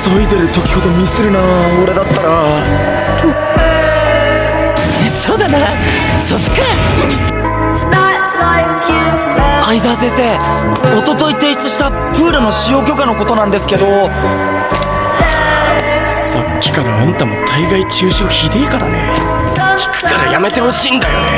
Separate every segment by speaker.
Speaker 1: 急いでる時ほどミスるな、俺だったら。
Speaker 2: そうだな、そうすっか。相沢先生、一昨日提出したプールの使用許可のことなんですけど。
Speaker 1: さっきからあんたも大概中傷ひでえからね。聞くからやめてほしいんだよね。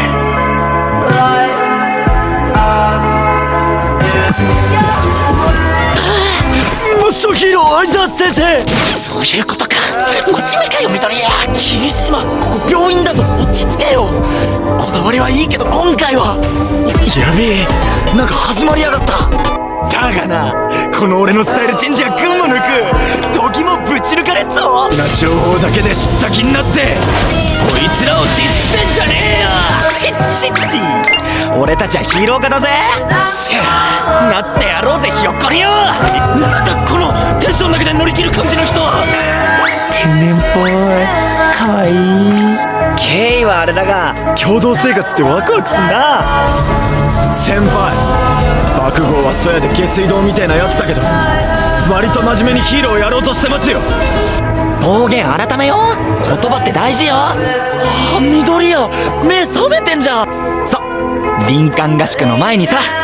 Speaker 1: マッショヒーロー相沢先生。
Speaker 2: そういうことか。真面目かよ緑谷。霧島、ここ病院だぞ、落ち着けよ。こだわりはいいけど今回は
Speaker 1: やべえ、なんか始まりやがった。だがな、この俺のスタイルチェンジは群を抜く。時もぶち抜かれっぞ。な情報だけで知った気になってこいつらをディスってんじゃねえよ。チッチッチ、
Speaker 2: 俺たちはヒーロー科だぜ。
Speaker 1: しゃあ、なってやろうぜひよっこりよ。なんだこのテンションだけで乗り切る感じの人は。
Speaker 2: 天然っぽい、かわいい。経緯はあれだが
Speaker 1: 共同生活ってワクワクすんな。先輩、爆豪はそやで下水道みたいなやつだけど割と真面目にヒーローをやろうとしてますよ。
Speaker 2: 暴言改めよう。言葉って大事よ。あ、緑谷、目覚めてんじゃん。さ、林間合宿の前にさ、